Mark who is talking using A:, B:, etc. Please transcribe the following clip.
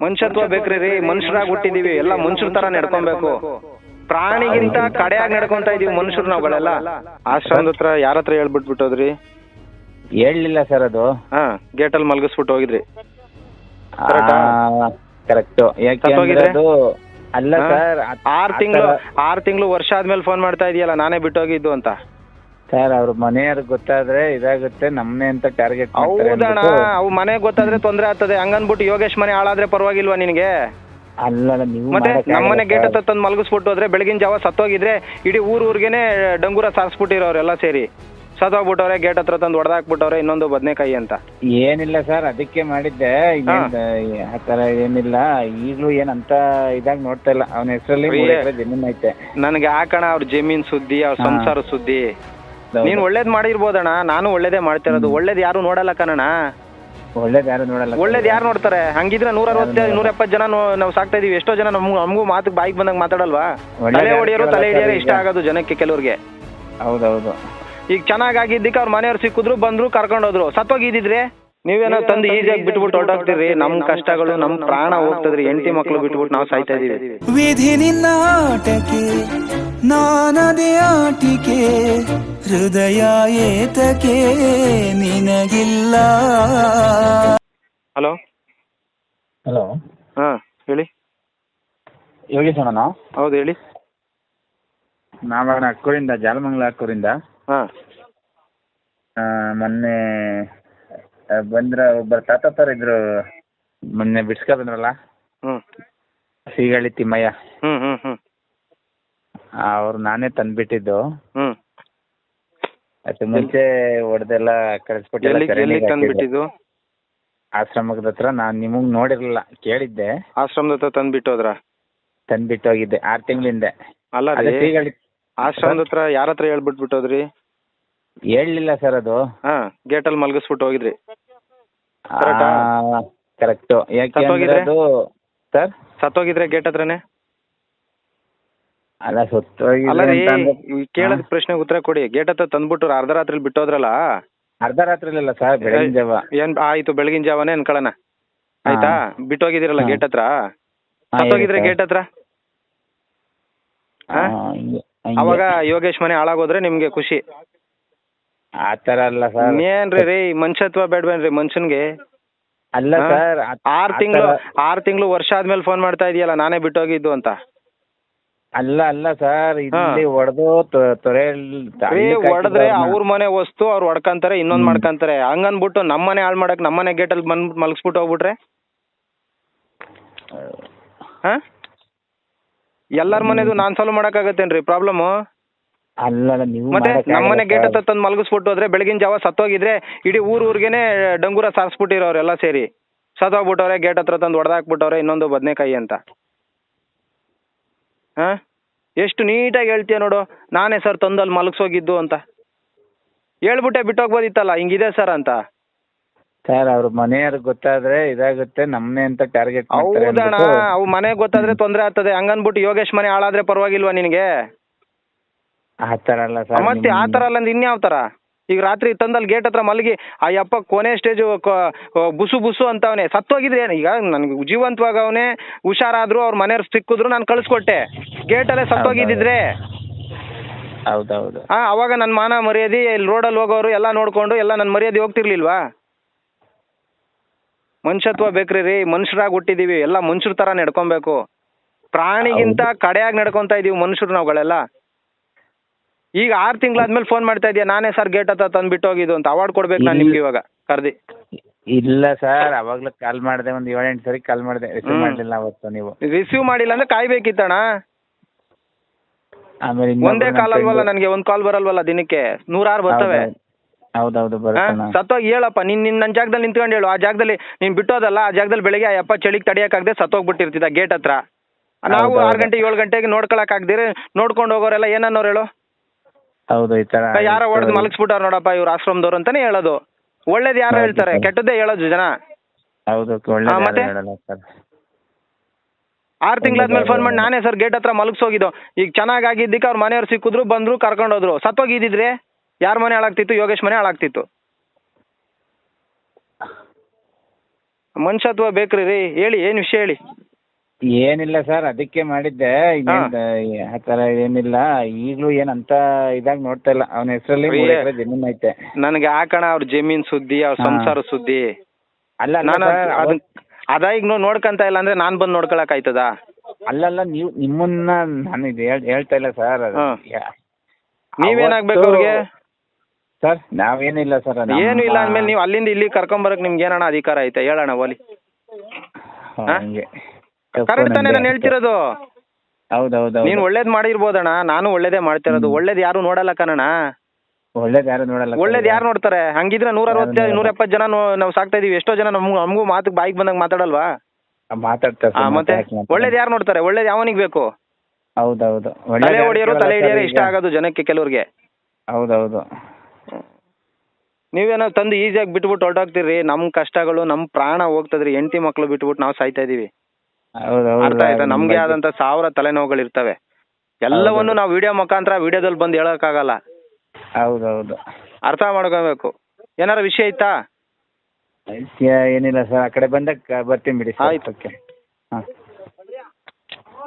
A: ಮನುಷ್ಯತ್ವ ಬೇಕ್ರಿ ರೀ. ಮನುಷ್ಯರಾಗಿ ಹುಟ್ಟಿದೀವಿ, ಎಲ್ಲ ಮನುಷ್ಯರ ತರ ನಡ್ಕೊಬೇಕು. ಪ್ರಾಣಿಗಿಂತ ಕಡೆಯಾಗಿ ನಡ್ಕೊಂತ ಇದೀವಿ ಮನುಷ್ಯರು ನಾವುಗಳೆಲ್ಲ. ಆಶ್ರಮದ ಹತ್ರ ಯಾರ ಹತ್ರ ಹೇಳ್ಬಿಟ್ಬಿಟ್ಟೋದ್ರಿ?
B: ಹೇಳಲಿಲ್ಲ ಸರ್ ಅದು.
A: ಹಾ, ಗೇಟಲ್ಲಿ ಮಲಗಿಸ್ಬಿಟ್ಟು ಹೋಗಿದ್ರಿ.
B: ಕರೆಕ್ಟ್. ಯಾಕೆ ಅದು ಅಲ್ಲ ಸರ್,
A: 6 ತಿಂಗಳು ವರ್ಷ ಆದ್ಮೇಲೆ ಫೋನ್ ಮಾಡ್ತಾ ಇದೆಯಲ್ಲ, ನಾನೇ ಬಿಟ್ಟೋಗಿದ್ದು ಅಂತ.
B: ಸರ್ ಅವ್ರ ಮನೆಯವ್ರಿಗೆ ಗೊತ್ತಾದ್ರೆ ಇದಾಗುತ್ತೆ, ನಮ್ಮನೆ ಅಂತ ಟಾರ್ಗೆಟ್.
A: ಹೌದಣ್ಣ, ಅವ್ ಮನೆಗೆ ಗೊತ್ತಾದ್ರೆ ತೊಂದ್ರೆ ಆಗ್ತದೆ. ಹಂಗನ್ಬಿಟ್ಟು ಯೋಗೇಶ್ ಮನೆ ಹಾಳಾದ್ರೆ ಪರವಾಗಿಲ್ವಾ ನಿನಗೆ?
B: ಅಲ್ಲ ನೀವು
A: ಮತ್ತೆ ನಮ್ಮನೆ ಗೇಟ್ ಹತ್ತ ತಂದು ಮಲಗಿಸ್ಬಿಟ್ಟು ಹೋದ್ರೆ ಬೆಳಗಿನ ಜಾವ ಸತ್ತೋಗಿದ್ರೆ ಇಡೀ ಊರ್ಗೇನೆ ಡಂಗೂರ ಸಾರಿಸ್ಬಿಟ್ಟಿರೋರೆಲ್ಲ ಸೇರಿ ಸತ್ತೋಗ್ಬಿಟ್ಟವ್ರೆ. ಗೇಟ್ ಹತ್ರ ತಂದು ಹೊಡೆದಾಕ್ಬಿಟ್ಟವ್ರೆ ಇನ್ನೊಂದು ಬದನೆಕಾಯಿ ಅಂತ.
B: ಏನಿಲ್ಲ ಸರ್, ಅದಕ್ಕೆ ಮಾಡಿದ್ದೆ. ಆ ತರ ಏನಿಲ್ಲ. ಈಗಲೂ ಏನಂತ ಇದಾಗ ನೋಡ್ತಾ ಇಲ್ಲ. ಅವನ ಹೆಸರಲ್ಲಿ ಜಮೀನ್ ಐತೆ. ನನಗೆ ಹಾಕಣ ಅವ್ರ ಜಮೀನ್ ಸುದ್ದಿ, ಅವ್ರ ಸಂಸಾರ ಸುದ್ದಿ. ನೀನ್ ಒಳ್ಳೇದ್ ಮಾಡಿರ್ಬೋದಣ್ಣ, ನಾನು ಒಳ್ಳೇದೇ ಮಾಡ್ತಿರೋದು. ಒಳ್ಳೇದ್ ಯಾರು ನೋಡಲ್ಲ ಕಣಣ್ಣ. ಒಳ್ಳೇದ್ ಯಾರು ನೋಡಲ್ಲ.
A: ಒಳ್ಳೇದ್ ಯಾರು ನೋಡ್ತಾರೆ? ಹಂಗಿದ್ರೆ 160-170 ಜನ ನಾವು ಸಾಕ್ತಾ ಇದೀವಿ. ಎಷ್ಟೋ ಜನ ನಮಗೂ ಮಾತು ಬಾಯಿಗೆ ಬಂದಂಗ್ ಮಾತಾಡಲ್ವಾ? ತಲೆ ಹೊಡಿಯೋರು ತಲೆ ಹಿಡಿಯೋರು ಇಷ್ಟ ಆಗೋದು ಜನಕ್ಕೆ ಕೆಲವ್ರಿಗೆ.
B: ಹೌದೌದು.
A: ಈಗ ಚೆನ್ನಾಗಿದ್ದಕ್ಕೆ ಅವ್ರ ಮನೆಯವ್ರು ಸಿಕ್ಕಿದ್ರು, ಬಂದ್ರು, ಕರ್ಕೊಂಡೋದ್ರು. ಸತ್ತೋಗಿದ್ದಿದ್ರೆ ನೀವೇನೋ ತಂದು ಈಜಿಯಾಗಿ ಬಿಟ್ಬಿಟ್ಟು ಹೊರಟೋಗ್ತೀರಿ. ನಮ್ ಕಷ್ಟಗಳು, ನಮ್ ಪ್ರಾಣ ಹೋಗ್ತದ್ರಿ. ಹೆಂಡತಿ ಮಕ್ಳು ಬಿಟ್ಬಿಟ್ಟು ನಾವು ಸಾಯ್ತಾ ಇದೀವಿ.
C: ವಿಧಿ ನಿನ್ನ ಆಟಕ್ಕೆ ನಾನದೇ ಆಟಿಕೆ, ಹೃದಯ ಏತಕ್ಕೆ ನಿನಗಿಲ್ಲ.
A: Hello
B: hello.
A: ಹಾ ಹೇಳಿ.
B: ಯೋಗೇಶ್ ಅಣ್ಣ?
A: ಹೌದು ಹೇಳಿ.
B: ನಾವಣ್ಣ ಅಕ್ಕೂರಿಂದ, ಜಾಲಮಂಗಲ ಅಕ್ಕೂರಿಂದ.
A: ಹಾ,
B: ಮೊನ್ನೆ ಬಂದ್ರ ಒಬ್ಬರ ತಾತಪ್ಪರ್ ಇದ್ರು, ಮೊನ್ನೆ ಬಿಡ್ಸ್ಕ ಬಂದ್ರಲ್ಲ. ಸೀಗಳಿ ತಿಮ್ಮಯ್ಯ. ಅವ್ರು ನಾನೇ ತಂದ್ಬಿಟ್ಟಿದ್ದು. ಅದು ಮುಂಚೆ ಹೊಡೆದೆಲ್ಲ ಕಳಿಸ್ಬಿಟ್ಟಿದ್ದು ಆಶ್ರಮದ ಹತ್ರ. ನಾನ್ ನಿಮಗ್ ನೋಡಿರ್ಲಿಲ್ಲ, ಕೇಳಿದ್ದೆ.
A: ಆಶ್ರಮದ ಹತ್ರ ತಂದ್ಬಿಟ್ಟೋದ್ರ?
B: ತಂದ್ಬಿಟ್ಟು ಹೋಗಿದ್ದೆ 6 ತಿಂಗಳ ಹಿಂದೆ.
A: ಅಲ್ಲ ರೀ,
B: ಸೀಗಳಿ
A: ಆಶ್ರಮದ ಹತ್ರ ಯಾರ ಹತ್ರ ಹೇಳ್ಬಿಟ್ಬಿಟ್ಟೋದ್ರಿ?
B: ಹೇಳಲಿಲ್ಲ ಸರ್ ಅದು.
A: ಹಾ, ಗೇಟಲ್ಲಿ ಮಲಗಿಸ್ಬಿಟ್ಟು ಹೋಗಿದ್ರಿ.
B: ಕರೆಕ್ಟ್. ಯಾಕೆ ಅದು ಸರ್
A: ಸತ್ತೋಗಿದ್ರೆ ಗೇಟ್ ಹತ್ರನೇ?
B: ಅಲ್ಲ, ಸತ್ತೋಗಿ
A: ಕೇಳದ ಪ್ರಶ್ನೆಗೆ ಉತ್ತರ ಕೊಡಿ. ಗೇಟ್ ಹತ್ರ ತಂದ್ಬಿಟ್ಟು ಅರ್ಧ ರಾತ್ರಿ ಬಿಟ್ಟೋದ್ರಲ್ಲ?
B: ಅರ್ಧ ರಾತ್ರಿ ಇಲ್ಲ ಸರ್, ಬೆಳಗಿನ ಜಾವ.
A: ಏನ್ ಆಯ್ತು, ಬೆಳಗಿನ ಜಾವನೇ ಅನ್ಕೊಳ್ಳೋಣ. ಆಯ್ತಾ, ಬಿಟ್ಟೋಗಿದಿರಲ್ಲ ಗೇಟ್ ಹತ್ರ. ಸತ್ತೋಗಿದ್ರೆ ಗೇಟ್ ಹತ್ರ ಅವಾಗ ಯೋಗೇಶ್ ಮನೆ ಹಾಳಾಗೋದ್ರೆ ನಿಮ್ಗೆ ಖುಷಿ.
B: ಆತರ ಅಲ್ಲ ಸರ್.
A: ಏನ್ರಿ ಮನುಷ್ಯತ್ವ ಬೇಡ್ಬೇನ್ರಿ ಮನುಷ್ಯನ್ಗೆ?
B: ಅಲ್ಲ ಸರ್,
A: 6 ತಿಂಗಳು ವರ್ಷ ಆದ್ಮೇಲೆ ಫೋನ್ ಮಾಡ್ತಾ ಇದೆಯಲ್ಲ, ನಾನೇ ಬಿಟ್ಟೋಗಿದ್ದು ಅಂತ.
B: ಅಲ್ಲ ಸರ್, ಇಲ್ಲಿ ಹೊಡೆದು
A: ಹೊಡೆದ್ರೆ ಅವ್ರ ಮನೆ ವಸ್ತು ಅವ್ರು ಹೊಡ್ಕಂತಾರೆ, ಇನ್ನೊಂದ್ ಮಾಡ್ಕಂತಾರೆ. ಹಂಗನ್ಬಿಟ್ಟು ನಮ್ಮನೆ ಹಾಳು ಮಾಡಕ್ ನಮ್ಮನೆ ಗೇಟಲ್ಲಿ ಮಲಗಿಸ್ಬಿಟ್ಟು ಹೋಗ್ಬಿಟ್ರೆ ಎಲ್ಲಾರ ಮನೆದು ನಾನ್ ಸಾಲ್ವ್ ಮಾಡಕ್ಕಾಗತ್ತೇನ್ರಿ ಪ್ರಾಬ್ಲಮ್?
B: ಅಲ್ಲ ನೀವು
A: ಮತ್ತೆ ನಮ್ಮನೆ ಗೇಟ್ ಹತ್ತ ತಂದು ಮಲಗಿಸ್ಬಿಟ್ಟು ಹೋದ್ರೆ ಬೆಳಗಿನ ಜಾವ ಸತ್ತೋಗಿದ್ರೆ ಇಡೀ ಊರ್ಗೇನೆ ಡಂಗೂರ ಸಾರಿಸ್ಬಿಟ್ಟಿರೋರೆಲ್ಲ ಸೇರಿ ಸತ್ತೋಗ್ಬಿಟ್ಟವ್ರೆ. ಗೇಟ್ ಹತ್ರ ತಂದು ಹೊಡೆದಾಕ್ಬಿಟ್ಟವ್ರೆ ಇನ್ನೊಂದು ಬದನೆಕಾಯಿ ಅಂತ. ಎಷ್ಟು ನೀಟಾಗಿ ಹೇಳ್ತೀಯ ನೋಡು, ನಾನೇ ಸರ್ ತಂದಲ್ಲಿ ಮಲಗಿಸೋಗಿದ್ದು ಅಂತ ಹೇಳ್ಬಿಟ್ಟೆ ಬಿಟ್ಟೋಗ್ಬೋದಿತ್ತಲ್ಲ, ಹಿಂಗಿದೆ ಸರ್ ಅಂತ.
B: ಸರ್ ಅವ್ರ ಮನೆಯವ್ರಿಗೆ ಗೊತ್ತಾದ್ರೆ ಇದಾಗುತ್ತೆ, ನಮ್ಮನೆ ಅಂತ ಟಾರ್ಗೆಟ್.
A: ಹೌದಣ್ಣ, ಅವ್ ಮನೆಗೆ ಗೊತ್ತಾದ್ರೆ ತೊಂದ್ರೆ ಆಗ್ತದೆ. ಹಂಗನ್ಬಿಟ್ಟು ಯೋಗೇಶ್ ಮನೆ ಹಾಳಾದ್ರೆ ಪರವಾಗಿಲ್ವಾ ನಿನಗೆ?
B: ಆತರ ಅಲ್ಲ ಸರ್.
A: ಮತ್ತೆ ಆತರ ಅಲ್ಲ ಅಂದ್ರೆ ಇನ್ಯಾವ ತರ? ಈಗ ರಾತ್ರಿ ತಂದಲ್ಲಿ ಗೇಟ್ ಹತ್ರ ಮಲಗಿ ಆ ಯಪ್ಪ ಕೊನೆ ಸ್ಟೇಜು ಬುಸು ಬುಸು ಅಂತವನೆ. ಸತ್ತೋಗಿದ್ರೆ ಈಗ ನನ್ಗೆ ಜೀವಂತವಾಗ ಅವನೇ ಹುಷಾರಾದ್ರು, ಅವ್ರ ಮನೆಯವ್ರು ಸಿಕ್ಕಿದ್ರು, ನಾನು ಕಳಿಸ್ಕೊಟ್ಟೆ. ಗೇಟಲ್ಲೇ ಸತ್ತೋಗಿದ್ದಿದ್ರೆ
B: ಹೌದೌದು,
A: ಅವಾಗ ನನ್ನ ಮಾನ ಮರ್ಯಾದೆ, ಇಲ್ಲಿ ರೋಡಲ್ಲಿ ಹೋಗೋರು ಎಲ್ಲ ನೋಡ್ಕೊಂಡು ಎಲ್ಲ ನನ್ನ ಮರ್ಯಾದೆ ಹೋಗ್ತಿರ್ಲಿಲ್ವಾ? ಮನುಷ್ಯತ್ವ ಬೇಕ್ರಿ ರೀ. ಮನುಷ್ಯರಾಗಿ ಹುಟ್ಟಿದೀವಿ, ಎಲ್ಲ ಮನುಷ್ಯರ ತರ ನಡ್ಕೊಬೇಕು. ಪ್ರಾಣಿಗಿಂತ ಕಡೆಯಾಗಿ ನಡ್ಕೊಂತ ಇದೀವಿ ಮನುಷ್ಯರು ನಾವುಗಳೆಲ್ಲ. ಈಗ 6 ತಿಂಗಳಾದ್ಮೇಲೆ ಫೋನ್ ಮಾಡ್ತಾ ಇದೀಯ, ನಾನೇ ಸರ್ ಗೇಟ್ ಹತ್ರ ತಂದ್ಬಿಟ್ಟು ಹೋಗಿದ್ದು ಅಂತ. ಅವಾರ್ಡ್ ಕೊಡ್ಬೇಕು ನಾನು ನಿಮ್ಗೆ ಇವಾಗ ಕರ್ದಿ.
B: ಇಲ್ಲ ಸರ್, ಅವಾಗ್ಲೂ ಕಾಲ್ ಮಾಡಿದೆ, ಒಂದು 7-8 ಸರಿ ಕಾಲ್ ಮಾಡಿದೆ, ರಿಸೀವ್ ಮಾಡಲಿಲ್ಲ ಅವತ್ತು. ನೀವು
A: ರಿಸೀವ್ ಮಾಡಿಲ್ಲ ಅಂದ್ರೆ ಕಾಯ್ಬೇಕಿತ್ತಣ್ಣ.
B: ಆಮೇಲೆ
A: ಒಂದೇ ಕಾಲ್ ಅಲ್ವಲ್ಲ ನನಗೆ, ಒಂದು ಕಾಲ್ ಬರಲ್ವಲ್ಲ ದಿನಕ್ಕೆ, 106 ಬರ್ತವೆ.
B: ಹೌದೌದು,
A: ಸತ್ತೋಗಿ ಹೇಳಪ್ಪ, ನನ್ನ ಜಾಗದಲ್ಲಿ ನಿಂತ್ಕೊಂಡು ಹೇಳು. ಆ ಜಾಗದಲ್ಲಿ ನೀನ್ ಬಿಟ್ಟೋದಲ್ಲ, ಆ ಜಾಗದಲ್ಲಿ ಬೆಳಿಗ್ಗೆ ಆ ಯಪ್ಪ ಚಳಿಗೆ ತಡಿಯಕ್ಕಾಗದೆ ಸತ್ತೋಗ್ಬಿಟ್ಟಿರ್ತಿದ್ದ ಗೇಟ್ ಹತ್ರ. ನಾವು 6 ಗಂಟೆ 7 ಗಂಟೆಗೆ ನೋಡ್ಕೊಳಕ್ ಆಗದಿರಿ ನೋಡ್ಕೊಂಡು ಹೋಗೋರೆಲ್ಲ ಏನನ್ನೋರು ಹೇಳು?
B: ಹೌದು, ಈ ತರ
A: ಯಾರೋ ಹೊಡೆದು ಮಲಗಿಸ್ಬಿಟ್ಟಾರ ನೋಡಪ್ಪ ಇವ್ರು ಆಶ್ರಮದವ್ರು ಅಂತಾನೆ ಹೇಳೋದು. ಒಳ್ಳೇದು ಯಾರು ಹೇಳ್ತಾರೆ, ಕೆಟ್ಟದ್ದೇ ಹೇಳೋದು ಜನ.
B: ಹೌದು,
A: ಮತ್ತೆ 6 ತಿಂಗಳಾದ್ಮೇಲೆ ಫೋನ್ ಮಾಡಿ ನಾನೇ ಸರ್ ಗೇಟ್ ಹತ್ರ ಮಲಗಿಸೋಗಿದ್ದು. ಈಗ ಚೆನ್ನಾಗಿದ್ದಕ್ಕೆ ಅವ್ರ ಮನೆಯವ್ರು ಸಿಕ್ಕಿದ್ರು, ಬಂದ್ರು, ಕರ್ಕೊಂಡೋದ್ರು. ಸತ್ತೋಗಿದ್ದಿದ್ರೆ ಯಾರ ಮನೆ ಹಾಳಾಗ್ತಿತ್ತು? ಯೋಗೇಶ್ ಮನೆ ಹಾಳಾಗ್ತಿತ್ತು. ಮನುಷ್ಯತ್ವ ಬೇಕ್ರಿ ರೀ. ಹೇಳಿ ಏನು ವಿಷಯ ಹೇಳಿ.
B: ಏನಿಲ್ಲ ಸರ್, ಅದಕ್ಕೆ ಮಾಡಿದ್ದೆ. ಆ ಥರ ಏನಿಲ್ಲ, ಈಗಲೂ ಏನಂತ ಇದಾಗಿ ನೋಡ್ತಾ ಇಲ್ಲ. ಅವನ ಹೆಸರಲ್ಲಿ 3 ಎಕರೆ ಜಮೀನು ಐತೆ.
A: ನನಗೆ ಹಾಕಣ ಅವ್ರ ಜಮೀನ್ ಸುದ್ದಿ, ಅವ್ರ ಸಂಸಾರ ಸುದ್ದಿ.
B: ಅಲ್ಲ
A: ನಾನು ಅದ ಈಗ ನೋಡ್ಕಂತ ಇಲ್ಲ ಅಂದ್ರೆ ನಾನ್ ಬಂದು ನೋಡ್ಕೊಳಕ್ ಆಯ್ತದ?
B: ಅಲ್ಲಲ್ಲ, ನೀವು ನಿಮ್ಮನ್ನ ನಾನು ಇದು ಹೇಳ್ತಾ ಇಲ್ಲ ಸರ್.
A: ನೀವೇನಾಗ್ಬೇಕು ಅವ್ರಿಗೆ
B: ಸರ್? ನಾವೇನಿಲ್ಲ ಸರ್.
A: ಏನು ಇಲ್ಲ ಅಂದ್ಮೇಲೆ ನೀವು ಅಲ್ಲಿಂದ ಇಲ್ಲಿ ಕರ್ಕೊಂಬರಕ್ ನಿಮ್ಗೆ ಏನಣ್ಣ ಅಧಿಕಾರ ಐತೆ ಹೇಳೋಣ ಓಲಿ? ಕರೆಕ್ಟ್ ತಾನೇ ನಾನು ಹೇಳ್ತಿರೋದು?
B: ಹೌದೌದು.
A: ನೀನ್ ಒಳ್ಳೇದ್ ಮಾಡಿರ್ಬೋದಣ್ಣ, ನಾನು ಒಳ್ಳೇದೇ ಮಾಡ್ತಿರೋದು. ಒಳ್ಳೇದ್ ಯಾರು ನೋಡಲ್ಲ ಕಣಣ್ಣ.
B: ಒಳ್ಳೇದ್ ಯಾರು ನೋಡಲ್ಲ.
A: ಒಳ್ಳೇದ್ ಯಾರು ನೋಡ್ತಾರೆ? ಹಂಗಿದ್ರೆ 160 170 ಜನ ನಾವು ಸಾಕ್ತಾ ಇದೀವಿ. ಎಷ್ಟೋ ಜನ ನಮಗೂ ಮಾತು ಬಾಯಿಗೆ ಬಂದಾಗ ಮಾತಾಡಲ್ವಾ?
B: ಮಾತಾಡ್ತಾರೆ.
A: ಮತ್ತೆ ಒಳ್ಳೇದ್ ಯಾರು ನೋಡ್ತಾರೆ? ಒಳ್ಳೇದ್ ಯಾವನಿಗೆ ಬೇಕು?
B: ಹೌದೌದು.
A: ತಲೆ ಹೊಡಿಯೋರು ತಲೆ ಹಿಡಿಯೋರು ಇಷ್ಟ ಆಗೋದು ಜನಕ್ಕೆ ಕೆಲವ್ರಿಗೆ.
B: ಹೌದೌದು.
A: ನೀವೇನೋ ತಂದು ಈಸಿಯಾಗಿ ಬಿಟ್ಬಿಟ್ಟು ಹೊರಟೋಗ್ತೀರಿ. ನಮ್ ಕಷ್ಟಗಳು, ನಮ್ ಪ್ರಾಣ ಹೋಗ್ತದ್ರಿ. ಹೆಂಡತಿ ಮಕ್ಳು ಬಿಟ್ಬಿಟ್ಟು ನಾವು ಸಾಯ್ತಾ ಇದೀವಿ. ಅರ್ಥ ಆಯ್ತಾ? ನಮ್ಗೆ ಆದಂತ 1000 ತಲೆನೋವುಗಳು ಇರ್ತವೆ. ಎಲ್ಲವನ್ನು ನಾವು ವಿಡಿಯೋ ಮುಖಾಂತರ ವಿಡಿಯೋದಲ್ಲಿ ಬಂದು ಹೇಳಕ್ಕಾಗಲ್ಲ.
B: ಹೌದೌದು.
A: ಅರ್ಥ ಮಾಡ್ಕೋಬೇಕು. ಏನಾರ ವಿಷಯ ಇತ್ತಾ?
B: ಏನಿಲ್ಲ ಸರ್, ಆ ಕಡೆ ಬಂದಾಗ ಬರ್ತೀನಿ ಬಿಡಿ.
A: ಆಯ್ತು.
B: ಓಕೆ.